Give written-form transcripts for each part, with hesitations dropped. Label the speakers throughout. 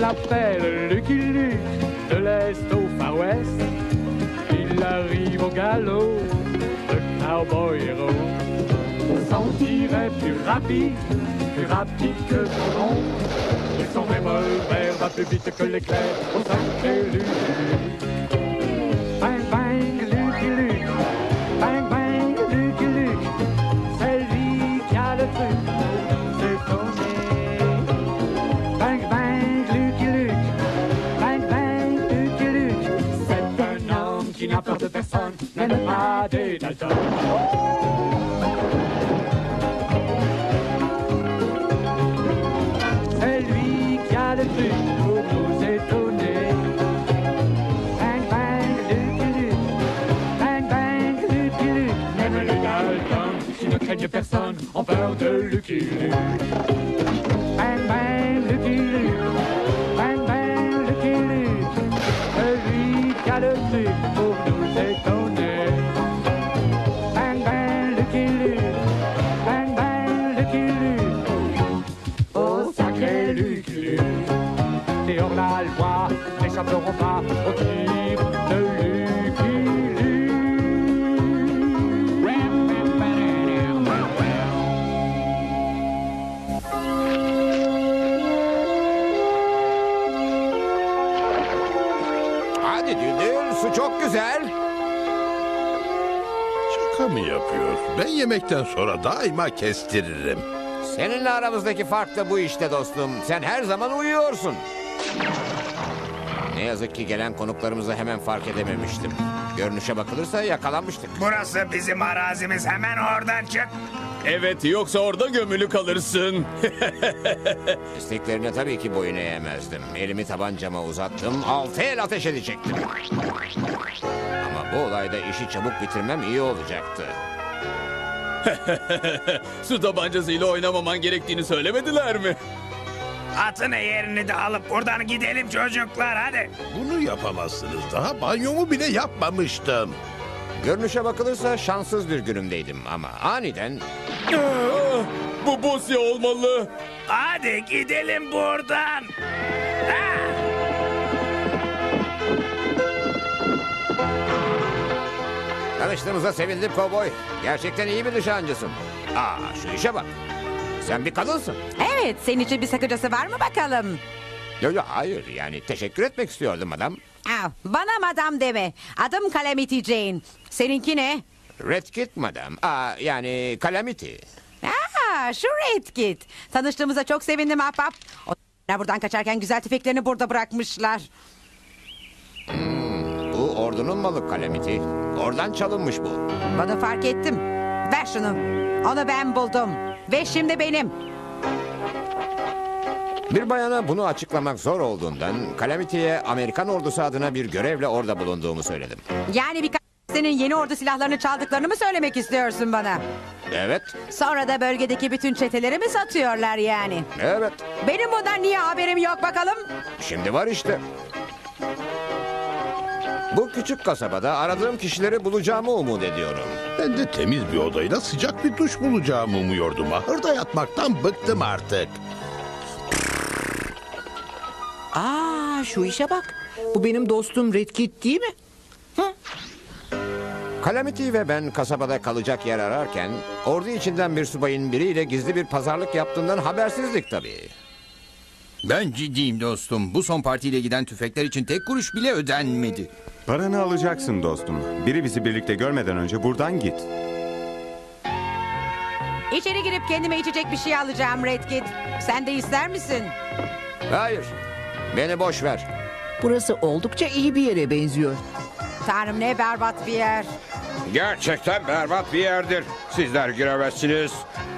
Speaker 1: l'appelle Lucky Luke, de l'Est au Far West. Il arrive au galop, le cowboy héros. Son tir est plus rapide que le tronc. Et son revolver va plus vite que l'éclair au sacré Luke. Bang bang Lucky Luke, bang bang Lucky Luke, c'est lui qui a le truc, c'est tourné. Bang bang Lucky Luke, bang bang Lucky Luke, c'est un homme qui n'a peur de personne, même pas des Dalton. C'est lui qui a le truc pour nous étonner. Bang bang Lucky Luke, bang bang Lucky Luke, même les Dalton qui ne craignent personne ont peur de Lucky Luke. Bang bang Lucky Luke, bang bang Lucky Luke, c'est lui qui a le truc pour nous étonner. Bang bang Lucky Luke, bang bang Lucky Luke, oh sacré Lucky Luke. Et hors la loi n'échapperont pas au tir de Lucky Luke.
Speaker 2: Hadi Düldül, su çok güzel.
Speaker 3: Şaka mı yapıyor? Ben yemekten sonra daima kestiririm.
Speaker 2: Seninle aramızdaki fark da bu işte dostum. Sen her zaman uyuyorsun. Ne yazık ki gelen konuklarımızı hemen fark edememiştim. Görünüşe bakılırsa yakalanmıştık.
Speaker 4: Burası bizim arazimiz. Hemen oradan çık.
Speaker 5: Evet, yoksa orada gömülü kalırsın.
Speaker 2: İsteklerine tabii ki boyun eğemezdim. Elimi tabancama uzattım, 6 el ateş edecektim. Ama bu olayda işi çabuk bitirmem iyi olacaktı.
Speaker 5: Su tabancasıyla oynamaman gerektiğini söylemediler mi?
Speaker 4: Atın yerini de alıp buradan gidelim çocuklar hadi.
Speaker 3: Bunu yapamazsınız. Daha banyomu bile yapmamıştım.
Speaker 2: Görünüşe bakılırsa şanssız bir günümdeydim ama aniden...
Speaker 5: Bu Bosya olmalı.
Speaker 4: Hadi gidelim buradan. Ha!
Speaker 2: Tanıştığımıza sevindim kovboy. Gerçekten iyi bir nişancısın. Şu işe bak. Sen bir kadınsın.
Speaker 6: Evet, senin için bir sakıncası var mı bakalım?
Speaker 2: Yo, hayır, yani teşekkür etmek istiyordum adam.
Speaker 6: Bana madam deme. Adım Calamity Jane. Seninki ne?
Speaker 2: Red Kit madam. Yani Calamity.
Speaker 6: Şu Red Kit. Tanıştığımıza çok sevindim ahbap. Onlar buradan kaçarken güzel tüfeklerini burada bırakmışlar.
Speaker 2: Bu ordunun malı Calamity. Oradan çalınmış bu.
Speaker 6: Bunu fark ettim. Ver şunu. Onu ben buldum. Ve şimdi benim.
Speaker 2: Bir bayana bunu açıklamak zor olduğundan Calamity'ye Amerikan ordusu adına bir görevle orada bulunduğumu söyledim.
Speaker 6: Yani birkaç senin yeni ordu silahlarını çaldıklarını mı söylemek istiyorsun bana?
Speaker 2: Evet,
Speaker 6: Sonra da bölgedeki bütün çeteleri mi satıyorlar yani?
Speaker 2: evet.
Speaker 6: Benim bundan niye haberim yok bakalım?
Speaker 2: Şimdi var işte. Bu küçük kasabada aradığım kişileri bulacağımı umut ediyorum.
Speaker 3: Ben de temiz bir odayla sıcak bir duş bulacağımı umuyordum. Ahırda yatmaktan bıktım artık.
Speaker 7: Şu işe bak. Bu benim dostum Red Kit değil mi?
Speaker 2: Calamity ve ben kasabada kalacak yer ararken ordu içinden bir subayın biriyle gizli bir pazarlık yaptığından habersizdik tabii.
Speaker 8: Ben ciddiyim dostum. Bu son partiyle giden tüfekler için tek kuruş bile ödenmedi.
Speaker 9: Paranı alacaksın dostum. Biri bizi birlikte görmeden önce buradan git.
Speaker 6: İçeri girip kendime içecek bir şey alacağım Red Kit. Sen de ister misin?
Speaker 2: Hayır, beni boş ver.
Speaker 7: Burası oldukça iyi bir yere benziyor.
Speaker 6: Tanrım ne berbat bir yer.
Speaker 10: Gerçekten berbat bir yerdir. Sizler giremezsiniz.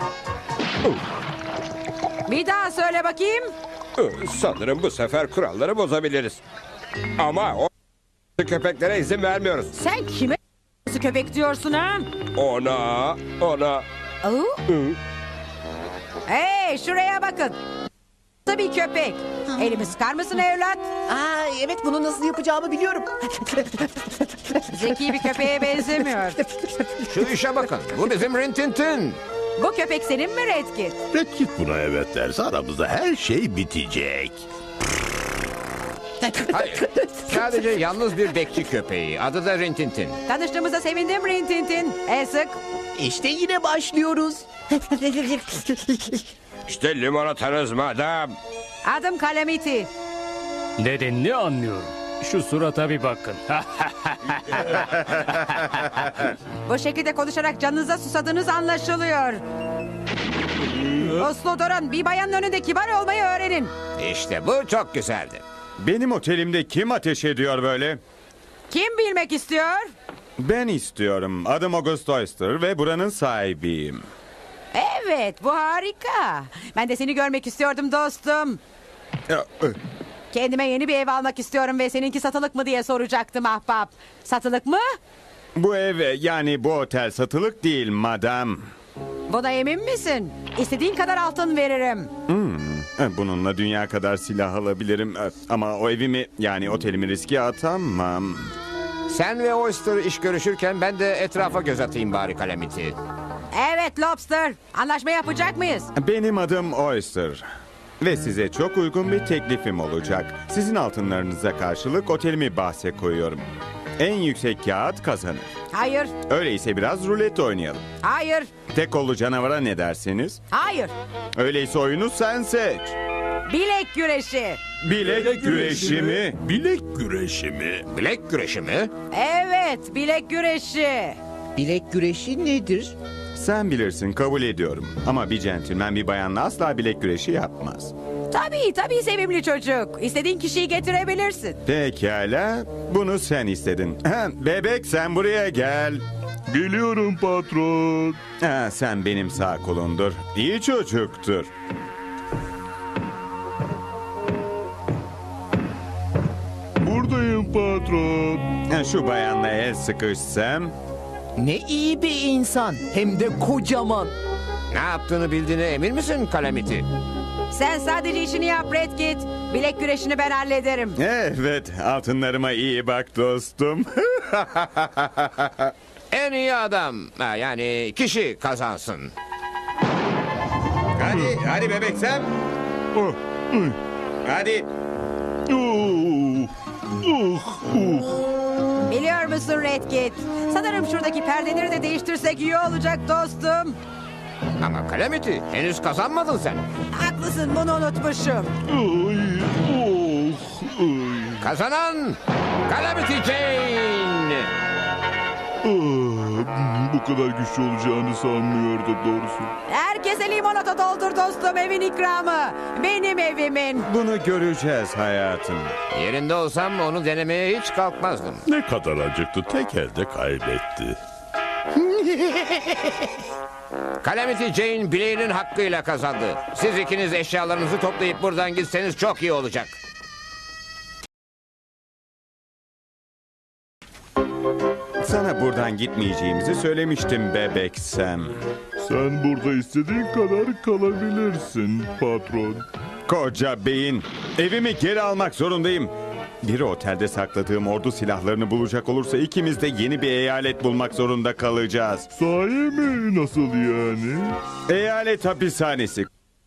Speaker 6: Bir daha söyle bakayım.
Speaker 10: Sanırım bu sefer kuralları bozabiliriz. Ama o köpeklere izin vermiyoruz.
Speaker 6: Sen kime köpek diyorsun ha?
Speaker 10: Ona.
Speaker 6: Hey şuraya bakın. Bir köpek. Elimi sıkar mısın evlat?
Speaker 7: Evet, bunu nasıl yapacağımı biliyorum.
Speaker 6: Zeki bir köpeğe benzemiyor.
Speaker 2: Şu işe bakın, bu bizim Rintintin.
Speaker 6: Bu köpek senin mi Red Kit?
Speaker 3: Red Kit buna evet derse aramızda her şey bitecek.
Speaker 2: Hayır. Sadece yalnız bir bekçi köpeği. Adı da Rintintin.
Speaker 6: Tanıştığımıza sevindim Rintintin. Sık.
Speaker 7: İşte yine başlıyoruz.
Speaker 10: İşte limonatanız madam.
Speaker 6: Adım Calamity.
Speaker 1: Nedenini anlıyorum. Şu surata bir bakın.
Speaker 6: Bu şekilde konuşarak canınıza susadığınız anlaşılıyor. Uslu durun. Bir bayanın önünde kibar olmayı öğrenin.
Speaker 2: İşte bu çok güzeldi.
Speaker 9: Benim otelimde kim ateş ediyor böyle?
Speaker 6: Kim bilmek istiyor?
Speaker 9: Ben istiyorum. Adım August Oyster ve buranın sahibiyim.
Speaker 6: Evet, bu harika. Ben de seni görmek istiyordum dostum. Kendime yeni bir ev almak istiyorum ve seninki satılık mı diye soracaktım ahbap. Satılık mı?
Speaker 9: Bu ev yani bu otel satılık değil madam.
Speaker 6: Buna emin misin? İstediğin kadar altın veririm.
Speaker 9: Bununla dünya kadar silah alabilirim. Ama o evimi yani otelimi riske atamam.
Speaker 2: Sen ve Oyster iş görüşürken ben de etrafa göz atayım bari Calamity.
Speaker 6: Evet Lobster. Anlaşma yapacak mıyız?
Speaker 9: Benim adım Oyster. Ve size çok uygun bir teklifim olacak. Sizin altınlarınıza karşılık otelimi bahse koyuyorum. En yüksek kağıt kazanır.
Speaker 6: Hayır,
Speaker 9: Öyleyse biraz rulet oynayalım.
Speaker 6: hayır,
Speaker 9: Tek kollu canavara ne dersiniz?
Speaker 6: hayır.
Speaker 9: Öyleyse oyunu sen seç.
Speaker 6: Bilek güreşi.
Speaker 9: Bilek güreşi mi?
Speaker 3: Bilek güreşi mi?
Speaker 2: Bilek güreşi mi?
Speaker 6: Evet, bilek güreşi.
Speaker 7: Bilek güreşi nedir?
Speaker 9: Sen bilirsin, kabul ediyorum. Ama bir centilmen bir bayanla asla bilek güreşi yapmaz.
Speaker 6: Tabii sevimli çocuk. İstediğin kişiyi getirebilirsin.
Speaker 9: Pekala, bunu sen istedin. Bebek sen buraya gel.
Speaker 3: Geliyorum patron.
Speaker 9: Sen benim sağ kolumdur. İyi çocuktur.
Speaker 3: Buradayım patron.
Speaker 9: Şu bayanla el sıkışsam.
Speaker 7: Ne iyi bir insan. Hem de kocaman.
Speaker 2: Ne yaptığını bildiğine emin misin Calamity?
Speaker 6: Sen sadece işini yap Redkit. Bilek güreşini ben hallederim.
Speaker 9: Evet, altınlarıma iyi bak dostum.
Speaker 2: En iyi adam, yani kişi kazansın.
Speaker 9: Hadi bebek sen. Hadi.
Speaker 6: Biliyor musun Redkit? Sanırım şuradaki perdeleri de değiştirsek iyi olacak dostum.
Speaker 2: Ama Calamity, henüz kazanmadın sen.
Speaker 6: Haklısın, bunu unutmuşum.
Speaker 2: Kazanan Calamity Jane.
Speaker 3: Bu kadar güçlü olacağını sanmıyordum doğrusu.
Speaker 6: Herkese limonata doldur dostum, evin ikramı. Benim evimin.
Speaker 9: Bunu göreceğiz hayatım.
Speaker 2: Yerinde olsam onu denemeye hiç kalkmazdım.
Speaker 3: Ne kadar acıktı, tek elde kaybetti.
Speaker 2: Calamity Jane bileğinin hakkıyla kazandı. Siz ikiniz eşyalarınızı toplayıp buradan gitseniz çok iyi olacak.
Speaker 9: Sana buradan gitmeyeceğimizi söylemiştim bebek Sam.
Speaker 3: Sen burada istediğin kadar kalabilirsin patron.
Speaker 9: Koca beyin. Evimi geri almak zorundayım. Biri otelde sakladığım ordu silahlarını bulacak olursa ikimiz de yeni bir eyalet bulmak zorunda kalacağız.
Speaker 3: Sahi mi? Nasıl yani?
Speaker 9: Eyalet hapishanesi.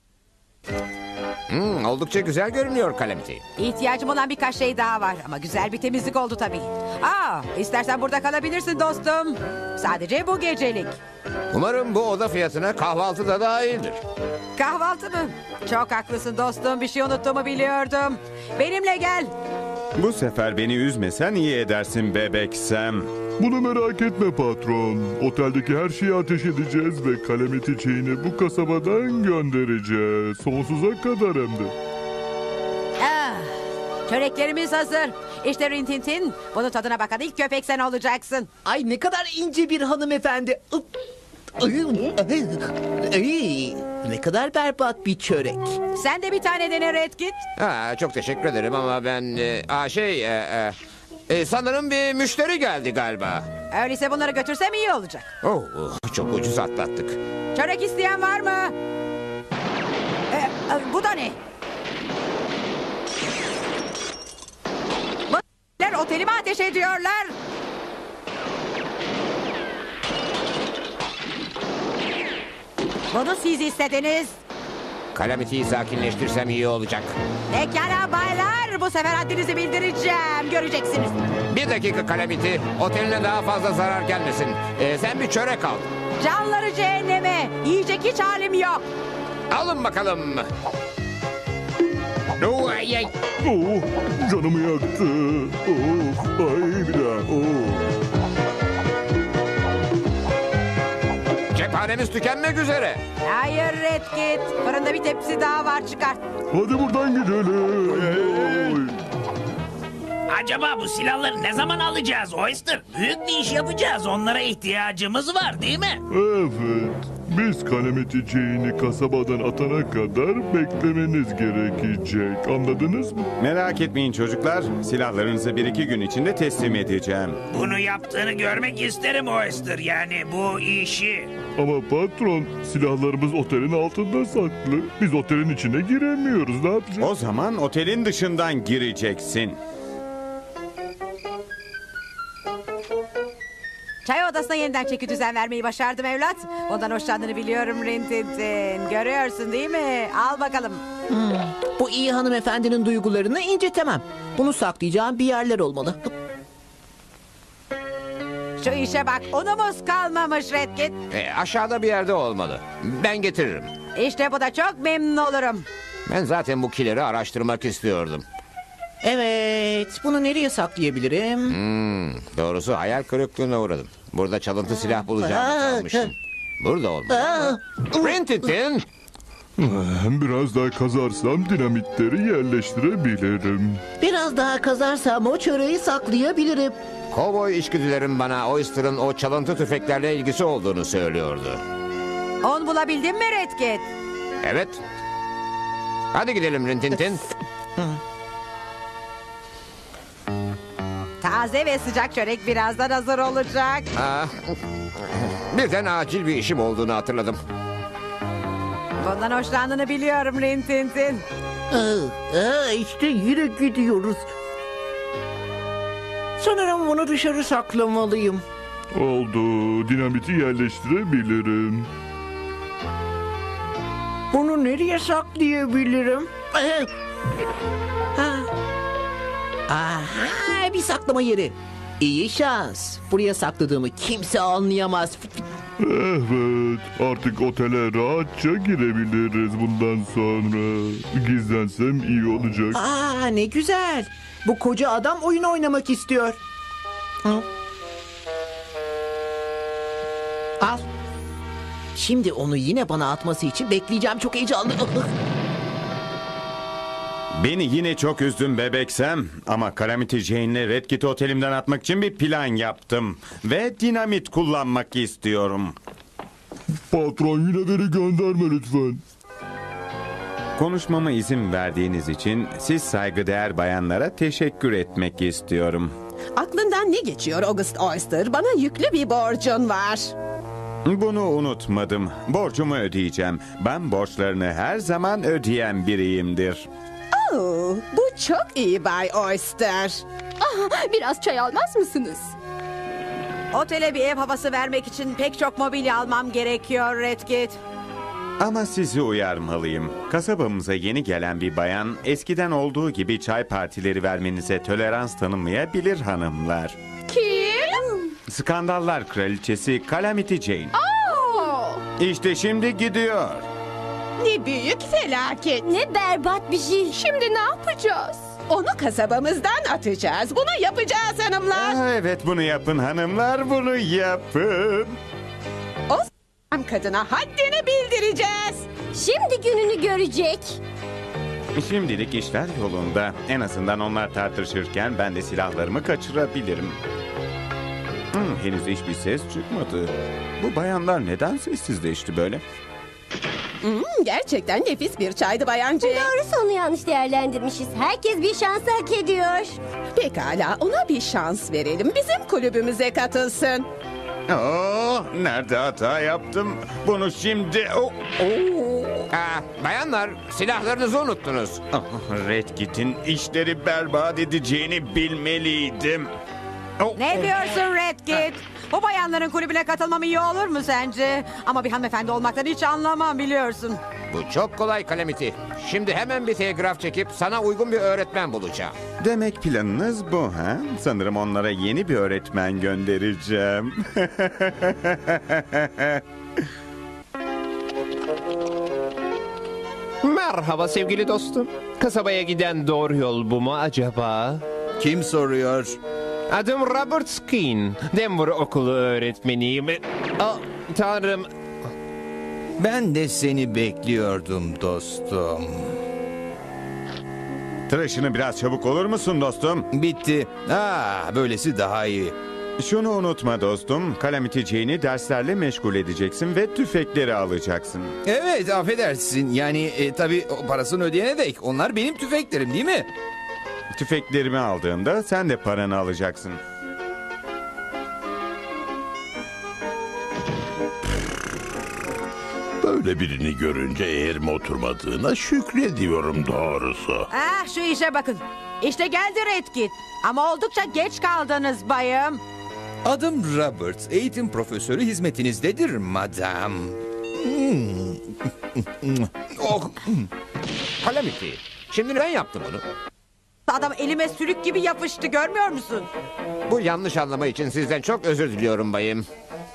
Speaker 2: Oldukça güzel görünüyor Calamity.
Speaker 6: İhtiyacım olan birkaç şey daha var ama güzel bir temizlik oldu tabii. İstersen burada kalabilirsin dostum. Sadece bu gecelik.
Speaker 2: Umarım bu oda fiyatına kahvaltı da dahildir.
Speaker 6: Kahvaltı mı? Çok haklısın dostum, bir şey unuttuğumu biliyordum. Benimle gel.
Speaker 9: Bu sefer beni üzmesen iyi edersin bebek Sam.
Speaker 3: Bunu merak etme patron. Oteldeki her şeyi ateş edeceğiz ve Calamity Jane'i bu kasabadan göndereceğiz. Sonsuza kadar hem de.
Speaker 6: Çöreklerimiz hazır. İşte Rintintin. Bunun tadına bakan ilk köpek sen olacaksın.
Speaker 7: Ay ne kadar ince bir hanımefendi. Ay, ne kadar berbat bir çörek.
Speaker 6: Sen de bir tane dene Redkit.
Speaker 2: Çok teşekkür ederim ama ben... sanırım bir müşteri geldi galiba.
Speaker 6: Öyleyse bunları götürsem iyi olacak.
Speaker 2: Çok ucuz atlattık.
Speaker 6: Çörek isteyen var mı? Bu da ne? Bu otelime ateş ediyorlar. Bunu siz istediniz.
Speaker 2: Calamity'yi sakinleştirsem iyi olacak.
Speaker 6: Pekala baylar, bu sefer haddinizi bildireceğim. Göreceksiniz.
Speaker 2: Bir dakika Calamity. Oteline daha fazla zarar gelmesin. Sen bir çörek al.
Speaker 6: Canları cehenneme. Yiyecek hiç halim yok.
Speaker 2: Alın bakalım. Ay, ay.
Speaker 3: Oh, canımı yaktı. Oh, ay bir daha. Oh.
Speaker 2: Cephanemiz tükenmek üzere.
Speaker 6: Hayır Redkit. Fırında bir tepsi daha var, çıkart.
Speaker 3: Hadi buradan gidelim. Oy.
Speaker 4: Acaba bu silahları ne zaman alacağız Oyster? Büyük bir iş yapacağız. Onlara ihtiyacımız var değil mi?
Speaker 3: Evet. Biz Calamity Jane'i kasabadan atana kadar beklemeniz gerekecek. Anladınız mı?
Speaker 9: Merak etmeyin çocuklar. Silahlarınızı 1-2 gün içinde teslim edeceğim.
Speaker 4: Bunu yaptığını görmek isterim Oyster. Yani bu işi.
Speaker 3: Ama patron, silahlarımız otelin altında saklı. Biz otelin içine giremiyoruz. Ne yapacağız?
Speaker 9: O zaman otelin dışından gireceksin.
Speaker 6: Çay odasına yeniden çeki düzen vermeyi başardım evlat. Ondan hoşlandığını biliyorum Rintintin. Görüyorsun değil mi? Al bakalım.
Speaker 7: Bu iyi hanımefendinin duygularını incitemem. Bunu saklayacağım bir yerler olmalı.
Speaker 6: Şu işe bak, unumuz kalmamış Redkit.
Speaker 2: Aşağıda bir yerde olmalı. Ben getiririm.
Speaker 6: İşte bu da çok memnun olurum.
Speaker 2: Ben zaten bu kileri araştırmak istiyordum.
Speaker 7: Evet, bunu nereye saklayabilirim?
Speaker 2: Doğrusu hayal kırıklığına uğradım. Burada çalıntı silah bulacağımı sanmıştım. Burada olmalı. Rintintin!
Speaker 3: Biraz daha kazarsam dinamitleri yerleştirebilirim.
Speaker 7: Biraz daha kazarsam o çöreği saklayabilirim.
Speaker 2: Kovboy içgüdülerim bana Oyster'ın o çalıntı tüfeklerle ilgisi olduğunu söylüyordu.
Speaker 6: On bulabildin mi Redkit?
Speaker 2: Evet. Hadi gidelim Rintintin.
Speaker 6: Taze ve sıcak çörek birazdan hazır olacak.
Speaker 2: Birden acil bir işim olduğunu hatırladım.
Speaker 6: Bundan hoşlandığını biliyorum Rintintin.
Speaker 7: İşte yine gidiyoruz. Sanırım bunu dışarı saklamalıyım.
Speaker 3: Oldu. Dinamiti yerleştirebilirim.
Speaker 7: Bunu nereye saklayabilirim? Aha, bir saklama yeri. İyi şans. Buraya sakladığımı kimse anlayamaz.
Speaker 3: Evet. Artık otele rahatça girebiliriz bundan sonra. Gizlensem iyi olacak.
Speaker 7: Ne güzel. Bu koca adam oyun oynamak istiyor. Al. Şimdi onu yine bana atması için bekleyeceğim. Çok heyecanlı.
Speaker 9: Beni yine çok üzdün bebeksem. Ama Calamity Jane'le Redkit'i otelimden atmak için bir plan yaptım. Ve dinamit kullanmak istiyorum.
Speaker 3: Patron, yine beni gönderme lütfen.
Speaker 9: Konuşmama izin verdiğiniz için siz saygıdeğer bayanlara teşekkür etmek istiyorum.
Speaker 11: Aklından ne geçiyor August Oyster? Bana yüklü bir borcun var.
Speaker 9: Bunu unutmadım. Borcumu ödeyeceğim. Ben borçlarını her zaman ödeyen biriyimdir.
Speaker 11: Bu çok iyi Bay Oyster.
Speaker 12: Biraz çay almaz mısınız?
Speaker 6: Otele bir ev havası vermek için pek çok mobilya almam gerekiyor Redkit.
Speaker 9: Ama sizi uyarmalıyım. Kasabamıza yeni gelen bir bayan eskiden olduğu gibi çay partileri vermenize tolerans tanımayabilir hanımlar.
Speaker 12: Kim?
Speaker 9: Skandallar kraliçesi Calamity Jane. İşte şimdi gidiyor.
Speaker 11: Ne büyük felaket.
Speaker 12: Ne berbat bir şey. Şimdi ne yapacağız?
Speaker 11: Onu kasabamızdan atacağız. Bunu yapacağız hanımlar.
Speaker 9: Evet, bunu yapın hanımlar, bunu yapın.
Speaker 11: O kadına haddini bildireceğiz.
Speaker 12: Şimdi gününü görecek.
Speaker 9: Şimdilik işler yolunda. En azından onlar tartışırken ben de silahlarımı kaçırabilirim. Henüz hiçbir ses çıkmadı. Bu bayanlar neden sessizleşti böyle?
Speaker 11: Gerçekten nefis bir çaydı bayancı.
Speaker 12: Doğrusu onu yanlış değerlendirmişiz. Herkes bir şans hak ediyor.
Speaker 11: Pekala, ona bir şans verelim. Bizim kulübümüze katılsın.
Speaker 9: Nerede hata yaptım? Bunu şimdi...
Speaker 2: Bayanlar, silahlarınızı unuttunuz.
Speaker 9: Redkit'in işleri berbat edeceğini bilmeliydim.
Speaker 6: Ne diyorsun Redkit? Bu bayanların kulübüne katılmam iyi olur mu sence? Ama bir hanımefendi olmaktan hiç anlamam biliyorsun.
Speaker 2: Bu çok kolay Calamity. Şimdi hemen bir telgraf çekip sana uygun bir öğretmen bulacağım.
Speaker 9: Demek planınız bu ha? Sanırım onlara yeni bir öğretmen göndereceğim.
Speaker 13: Merhaba sevgili dostum. Kasabaya giden doğru yol bu mu acaba?
Speaker 8: Kim soruyor?
Speaker 13: Adım Robert Skin. Denver okulu öğretmeniyim. Tanrım.
Speaker 8: Ben de seni bekliyordum dostum.
Speaker 9: Tıraşını biraz çabuk olur musun dostum?
Speaker 8: Bitti. Böylesi daha iyi.
Speaker 9: Şunu unutma dostum. Calamity Jane'i derslerle meşgul edeceksin ve tüfekleri alacaksın.
Speaker 8: Evet, affedersin. Yani tabii parasını ödeyene dek. Onlar benim tüfeklerim değil mi?
Speaker 9: Tüfeklerimi aldığında sen de paranı alacaksın.
Speaker 14: Böyle birini görünce eğerime oturmadığına şükrediyorum doğrusu.
Speaker 6: Şu işe bakın. İşte geldi Redkit. Ama oldukça geç kaldınız bayım.
Speaker 8: Adım Robert. Eğitim profesörü hizmetinizdedir madam.
Speaker 2: Calamity, şimdi ben yaptım bunu.
Speaker 6: Adam elime sülük gibi yapıştı, görmüyor musun?
Speaker 2: Bu yanlış anlama için sizden çok özür diliyorum bayım.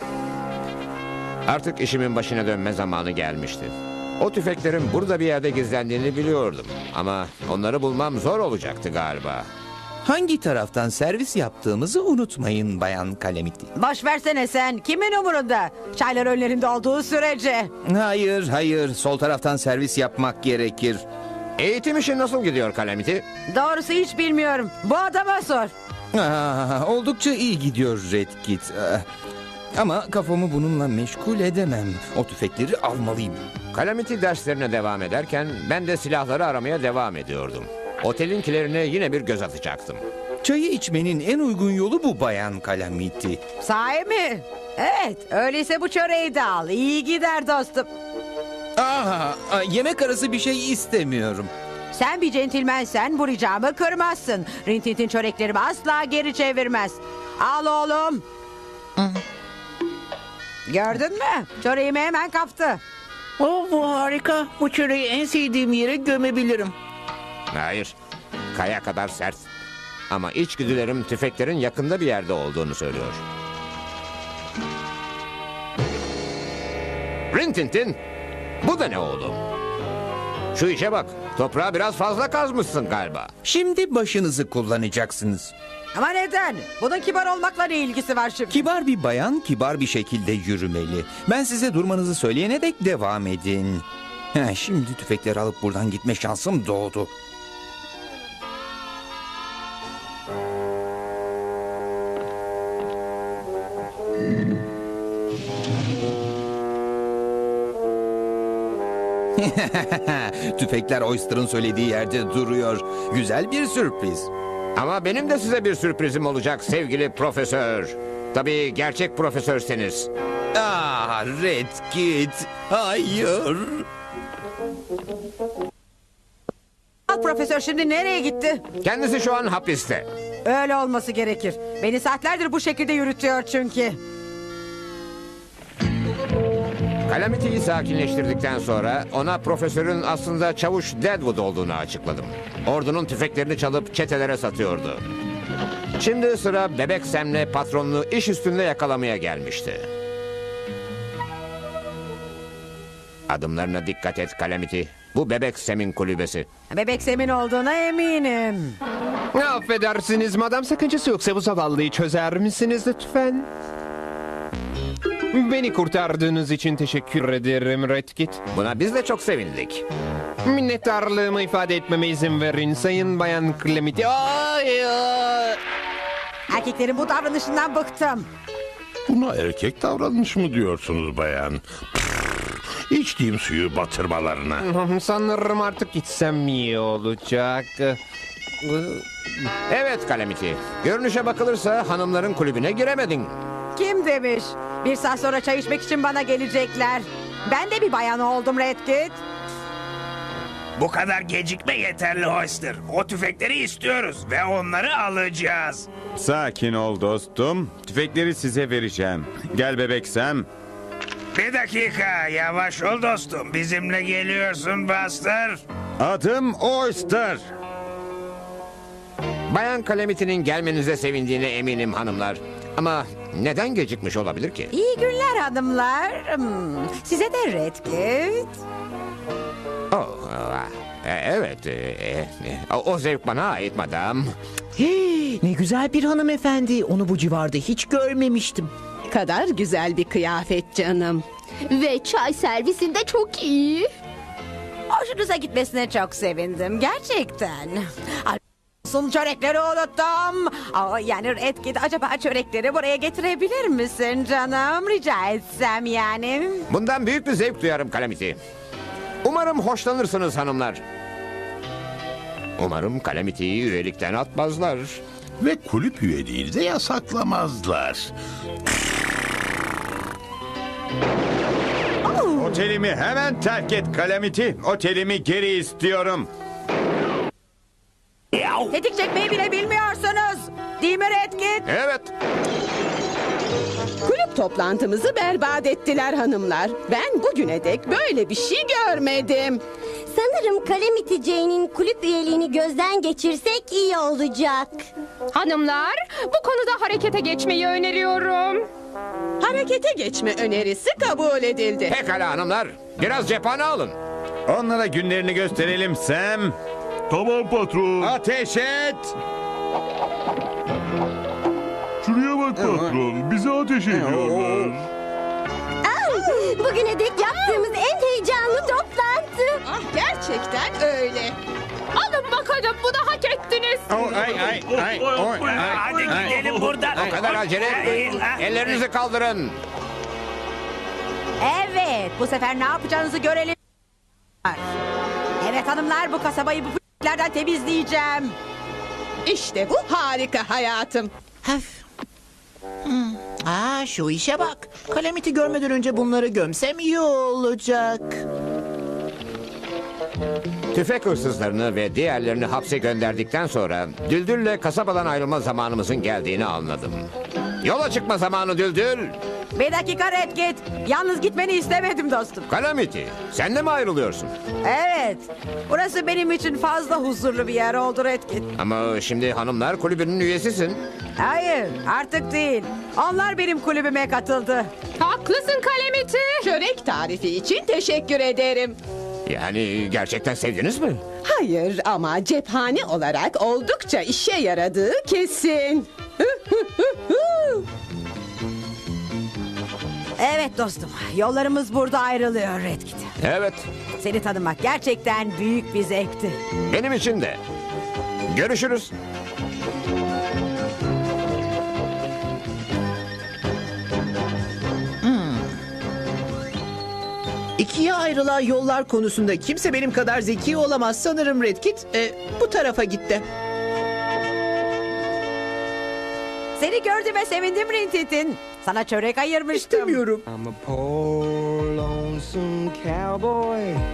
Speaker 2: Artık işimin başına dönme zamanı gelmişti. O tüfeklerin burada bir yerde gizlendiğini biliyordum. Ama onları bulmam zor olacaktı galiba.
Speaker 8: Hangi taraftan servis yaptığımızı unutmayın Bayan Calamity.
Speaker 6: Boş versene sen. Kimin umurunda? Çaylar önlerinde olduğu sürece.
Speaker 8: Hayır. Sol taraftan servis yapmak gerekir.
Speaker 2: Eğitim işi nasıl gidiyor Calamity?
Speaker 6: Doğrusu hiç bilmiyorum. Bu adama sor.
Speaker 8: Oldukça iyi gidiyor Redkit. Ama kafamı bununla meşgul edemem. O tüfekleri almalıyım.
Speaker 2: Calamity derslerine devam ederken ben de silahları aramaya devam ediyordum. Otelinkilerine yine bir göz atacaktım.
Speaker 8: Çayı içmenin en uygun yolu bu Bayan Calamity.
Speaker 6: Sahi mi? Evet, öyleyse bu çöreği de al. İyi gider dostum.
Speaker 8: Yemek arası bir şey istemiyorum.
Speaker 6: Sen bir centilmensen bu ricamı kırmazsın. Rintintin çöreklerimi asla geri çevirmez. Al oğlum. Gördün mü? Çöreğimi hemen kaptı.
Speaker 7: Bu harika. Bu çöreği en sevdiğim yere gömebilirim.
Speaker 2: Hayır, kaya kadar sert. Ama içgüdülerim tüfeklerin yakında bir yerde olduğunu söylüyor. Rintintin, bu da ne oğlum? Şu işe bak, toprağı biraz fazla kazmışsın galiba.
Speaker 8: Şimdi başınızı kullanacaksınız.
Speaker 6: Ama neden? Bunun kibar olmakla ne ilgisi var şimdi?
Speaker 8: Kibar bir bayan kibar bir şekilde yürümeli. Ben size durmanızı söyleyene dek devam edin. Şimdi tüfekleri alıp buradan gitme şansım doğdu. Tüfekler Oyster'ın söylediği yerde duruyor. Güzel bir sürpriz.
Speaker 2: Ama benim de size bir sürprizim olacak sevgili profesör. Tabii gerçek profesörseniz.
Speaker 8: Redkit. Hayır.
Speaker 6: Profesör şimdi nereye gitti?
Speaker 2: Kendisi şu an hapiste.
Speaker 6: Öyle olması gerekir. Beni saatlerdir bu şekilde yürütüyor çünkü.
Speaker 2: Calamity'yi sakinleştirdikten sonra ona profesörün aslında çavuş Deadwood olduğunu açıkladım. Ordunun tüfeklerini çalıp çetelere satıyordu. Şimdi sıra Bebek Sam'le patronunu iş üstünde yakalamaya gelmişti. Adımlarına dikkat et Calamity. Bu Bebek Sam'in kulübesi.
Speaker 6: Bebek Sam'in olduğuna eminim.
Speaker 13: Affedersiniz madam, sakıncası yoksa bu zavallıyı çözer misiniz lütfen? Beni kurtardığınız için teşekkür ederim Redkit.
Speaker 2: Buna biz de çok sevindik.
Speaker 13: Minnettarlığımı ifade etmeme izin verin Sayın Bayan Calamity.
Speaker 6: Erkeklerin bu davranışından bıktım.
Speaker 14: Buna erkek davranış mı diyorsunuz bayan? İçtiğim suyu batırmalarına.
Speaker 13: Sanırım artık gitsem iyi olacak.
Speaker 2: Evet Calamity. Görünüşe bakılırsa hanımların kulübüne giremedin.
Speaker 6: Kim demiş? Bir saat sonra çay içmek için bana gelecekler. Ben de bir bayan oldum Redkit.
Speaker 4: Bu kadar gecikme yeterli Oyster. O tüfekleri istiyoruz ve onları alacağız.
Speaker 9: Sakin ol dostum. Tüfekleri size vereceğim. Gel Bebek Sam.
Speaker 4: Bir dakika, yavaş ol dostum. Bizimle geliyorsun Buster.
Speaker 9: Adım Oyster.
Speaker 2: Bayan Calamity'nin gelmenize sevindiğine eminim hanımlar. Ama neden gecikmiş olabilir ki?
Speaker 6: İyi günler hanımlar. Size de Redkit.
Speaker 2: Oh, evet. O zevk bana ait madam.
Speaker 7: Hey, ne güzel bir hanımefendi. Onu bu civarda hiç görmemiştim.
Speaker 11: Kadar güzel bir kıyafet canım.
Speaker 12: Ve çay servisinde çok iyi.
Speaker 6: Hoşunuza gitmesine çok sevindim. Gerçekten. Sun çörekleri unuttum. Yani Redkit, acaba çörekleri buraya getirebilir misin canım? Rica etsem yani.
Speaker 2: Bundan büyük bir zevk duyarım Calamity. Umarım hoşlanırsınız hanımlar. Umarım Calamity'yi üyelikten atmazlar.
Speaker 14: Ve kulüp üyeliğini de yasaklamazlar.
Speaker 9: Otelimi hemen terk et Calamity. Otelimi geri istiyorum.
Speaker 6: Tetik çekmeyi bile bilmiyorsunuz. Değil mi Redkit?
Speaker 2: Evet.
Speaker 11: Kulüp toplantımızı berbat ettiler hanımlar. Ben bugüne dek böyle bir şey görmedim.
Speaker 12: Sanırım Calamity Jane'in kulüp üyeliğini gözden geçirsek iyi olacak.
Speaker 15: Hanımlar, bu konuda harekete geçmeyi öneriyorum.
Speaker 11: Harekete geçme önerisi kabul edildi.
Speaker 2: Pekala hanımlar. Biraz cephane alın.
Speaker 9: Onlara günlerini gösterelim Sam.
Speaker 3: Tamam patron.
Speaker 9: Ateş et.
Speaker 3: Şuraya bak patron. Bize ateş ediyorlar.
Speaker 12: Bugüne dek yaptığımız en heyecanlı toplantı.
Speaker 11: Ah, gerçekten öyle.
Speaker 15: Alın bakalım, bunu hak ettiniz.
Speaker 4: Hadi gidelim buradan.
Speaker 2: O kadar acele etmeyin. Ellerinizi kaldırın.
Speaker 6: Evet, bu sefer ne yapacağınızı görelim. Evet hanımlar, bu kasabayı bu p***lerden temizleyeceğim.
Speaker 11: İşte bu harika hayatım.
Speaker 7: Şu işe bak. Calamity görmeden önce bunları gömsem iyi olacak.
Speaker 2: Tüfek hırsızlarını ve diğerlerini hapse gönderdikten sonra Düldül'le kasabadan ayrılma zamanımızın geldiğini anladım. Yola çıkma zamanı Düldül.
Speaker 6: Bir dakika Redkit. Yalnız gitmeni istemedim dostum.
Speaker 2: Calamity, sen de mi ayrılıyorsun?
Speaker 6: Evet. Burası benim için fazla huzurlu bir yer oldu Redkit.
Speaker 2: Ama şimdi hanımlar kulübünün üyesisin.
Speaker 6: Hayır, artık değil. Onlar benim kulübüme katıldı.
Speaker 15: Haklısın Calamity.
Speaker 11: Çörek tarifi için teşekkür ederim.
Speaker 2: Yani gerçekten sevdiniz mi?
Speaker 11: Hayır ama cephane olarak oldukça işe yaradığı kesin.
Speaker 6: Evet dostum, yollarımız burada ayrılıyor Redkit.
Speaker 2: Evet,
Speaker 6: Seni tanımak gerçekten büyük bir zevkti.
Speaker 2: benim için de. Görüşürüz.
Speaker 7: İkiye ayrılan yollar konusunda kimse benim kadar zeki olamaz sanırım Redkit. Bu tarafa gitti.
Speaker 6: Seni gördüğüme sevindim Rintintin. Sana çörek ayırmıştım.
Speaker 7: İstemiyorum.
Speaker 1: I'm a poor lonesome cowboy